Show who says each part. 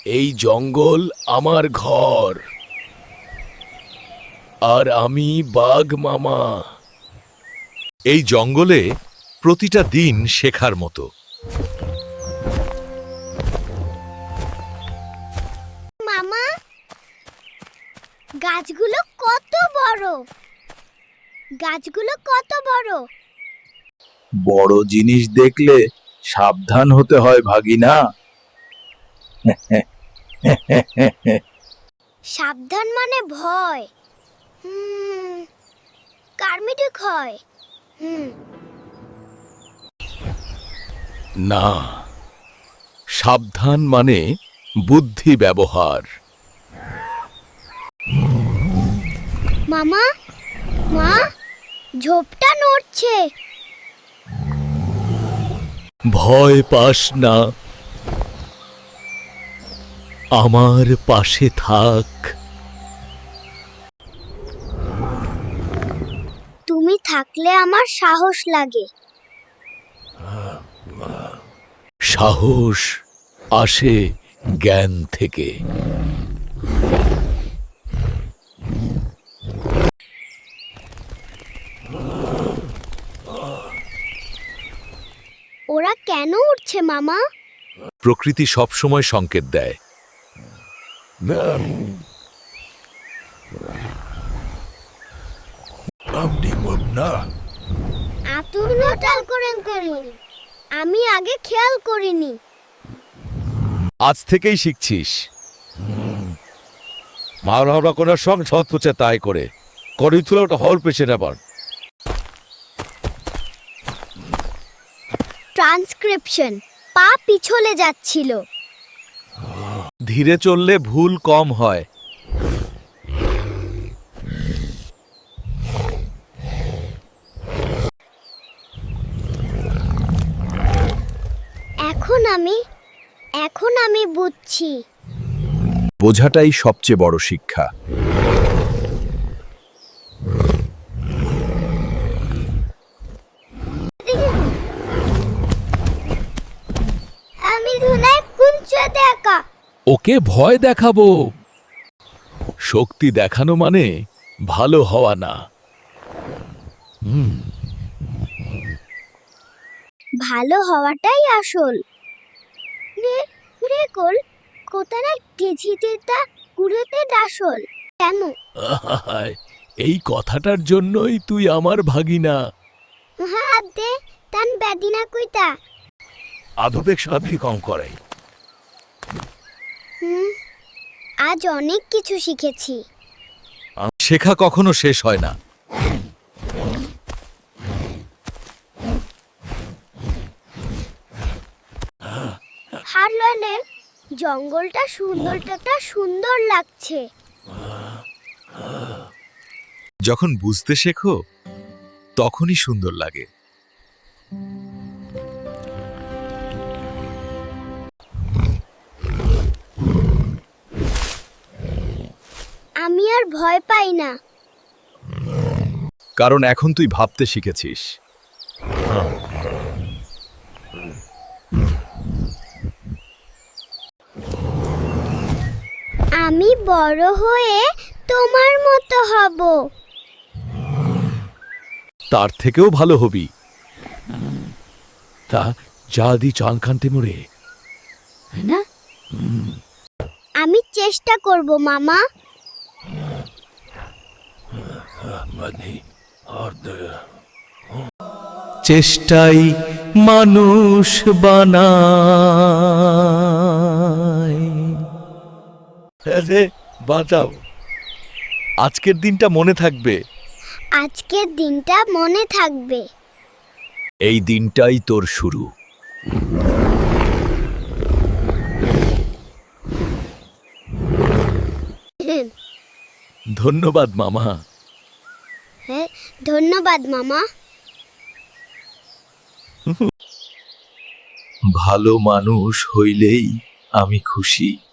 Speaker 1: এই জঙ্গল আমার ঘর, আর আমি বাঘ মামা।
Speaker 2: এই জঙ্গলে প্রতিটা দিন শেখার মতো।
Speaker 3: মামা, গাছগুলো কত বড়! গাছগুলো কত বড়!
Speaker 4: বড় জিনিস দেখলে সাবধান হতে হয় ভাগিনা।
Speaker 3: সাবধান মানে ভয়। কার্মিটিক হয়।
Speaker 1: না, সাবধান মানে বুদ্ধি ব্যবহার।
Speaker 3: মামা, মা, ঝোপটা নড়ছে।
Speaker 1: ভয় পাস না, আমার পাশে থাক।
Speaker 3: তুমি থাকলে আমার সাহস লাগে।
Speaker 1: সাহস আসে জ্ঞান থেকে।
Speaker 3: ওরা কেন উঠছে মামা?
Speaker 2: প্রকৃতি সবসময় সংকেত দেয়।
Speaker 3: আপনি খেয়াল করেন করুন, আমি আগে খেয়াল করিনি।
Speaker 2: আজ থেকেই শিখছিস। মানবরা কোন সঙ্গ ছতপুছে তাই করে করি তুলে ওটা হল পেছে নেবার।
Speaker 3: ট্রান্সক্রিপশন পা পিছলে যাচ্ছিল।
Speaker 2: ধীরে চললে ভুল কম হয়।
Speaker 3: এখন আমি বুঝছি।
Speaker 4: বোঝাটাই সবচেয়ে বড় শিক্ষা।
Speaker 3: আমি ধুনায় কুঞ্চতে একা।
Speaker 1: ওকে ভয় দেখাবো। শক্তি দেখানো মানে ভালো হওয়া না।
Speaker 3: ভালো হওয়াটাই আসল। রেকল কোতারা তেজিতেতা কুড়েতে ডাসল কেন?
Speaker 1: এই কথাটার জন্যই তুই আমার ভাগিনা।
Speaker 3: হাত দে তান বেদিনা কইতা।
Speaker 2: আধবেগ সাথী কম করে।
Speaker 3: আজ অনেক কিছু শিখেছি।
Speaker 2: শেখা কখনো শেষ হয় না।
Speaker 3: হারলানে জঙ্গলটা সুন্দর লাগছে।
Speaker 2: যখন বুঝতে শেখো তখনই সুন্দর লাগে।
Speaker 3: আমি আর ভয় পাই না।
Speaker 4: কারণ এখন তুই ভাবতে শিখেছিস।
Speaker 3: আমি বড় হয়ে তোমার মতো হব।
Speaker 1: তার থেকেও ভালো হবি। তা যা দি চান খানতে মরে না।
Speaker 3: আমি চেষ্টা করব মামা।
Speaker 1: চেষ্টাই মানুষ বানায়।
Speaker 2: বাঁচাও। আজকের দিনটা মনে থাকবে।
Speaker 3: আজকের দিনটা মনে থাকবে।
Speaker 1: এই দিনটাই তোর শুরু। ধন্যবাদ মামা।
Speaker 3: হ্যাঁ, ধন্যবাদ মামা।
Speaker 4: ভালো মানুষ হইলেই আমি খুশি।